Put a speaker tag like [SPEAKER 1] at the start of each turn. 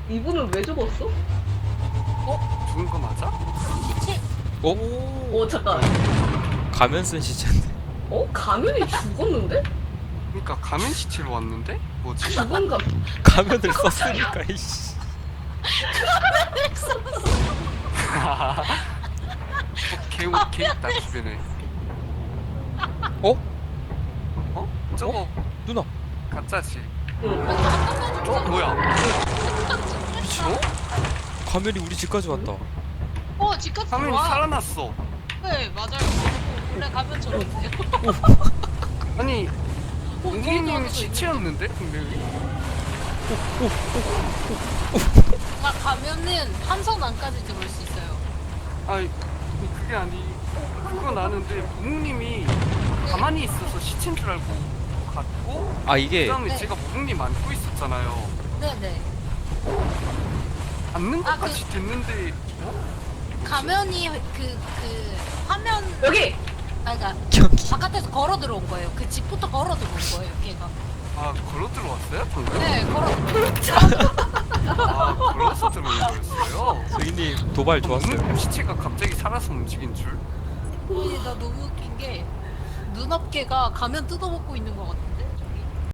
[SPEAKER 1] 이분은 왜 죽었어?
[SPEAKER 2] 죽은 거 맞아?
[SPEAKER 3] 시체.
[SPEAKER 1] 잠깐.
[SPEAKER 4] 가면 쓴 시체인데.
[SPEAKER 1] 가면이 죽었는데?
[SPEAKER 2] 그러니까 가면 시체로 왔는데? 뭐지?
[SPEAKER 1] 죽은 가
[SPEAKER 4] 가면을 썼으니까 이씨.
[SPEAKER 2] 개 있다 주변에.
[SPEAKER 4] 어?
[SPEAKER 2] 저거
[SPEAKER 4] 누나.
[SPEAKER 2] 가짜지.
[SPEAKER 1] 응.
[SPEAKER 2] 뭐야?
[SPEAKER 4] 미친. 가면이 우리 집까지 왔다.
[SPEAKER 3] 집까지
[SPEAKER 2] 가면이
[SPEAKER 3] 들어와.
[SPEAKER 2] 살아났어.
[SPEAKER 3] 네, 맞아요. 원래 가면처럼 돼요.
[SPEAKER 2] 아니
[SPEAKER 3] 저희도
[SPEAKER 2] 웅이님이
[SPEAKER 3] 하고
[SPEAKER 2] 시체였는데 분명히.
[SPEAKER 3] 가면은 한선 안까지 들어올 수 있어요.
[SPEAKER 2] 아니 그게 그건 아는데 웅님이 가만히 있어서 시체인 줄 알고 갔고
[SPEAKER 4] 아 이게
[SPEAKER 2] 그다음에
[SPEAKER 3] 네.
[SPEAKER 2] 제가 웅님 안고 있었잖아요.
[SPEAKER 3] 네네.
[SPEAKER 2] 앉는
[SPEAKER 3] 아,
[SPEAKER 2] 것까지 됐는데
[SPEAKER 3] 가면이 그 화면
[SPEAKER 1] 여기.
[SPEAKER 3] 그러니까
[SPEAKER 4] 여기.
[SPEAKER 3] 바깥에서 걸어 들어온 거예요. 그 집부터 걸어 들어온 거예요, 걔가.
[SPEAKER 2] 걸어 들어왔어요 방금?
[SPEAKER 3] 네, 걸어.
[SPEAKER 2] 걸어서 들어온 거였어요.
[SPEAKER 4] 저희님 도발 좋았어요.
[SPEAKER 2] 웅님 시체가 갑자기 살아서 움직인 줄?
[SPEAKER 3] 나 너무 웃긴 게 눈앞개가 가면 뜯어먹고 있는 것 같아.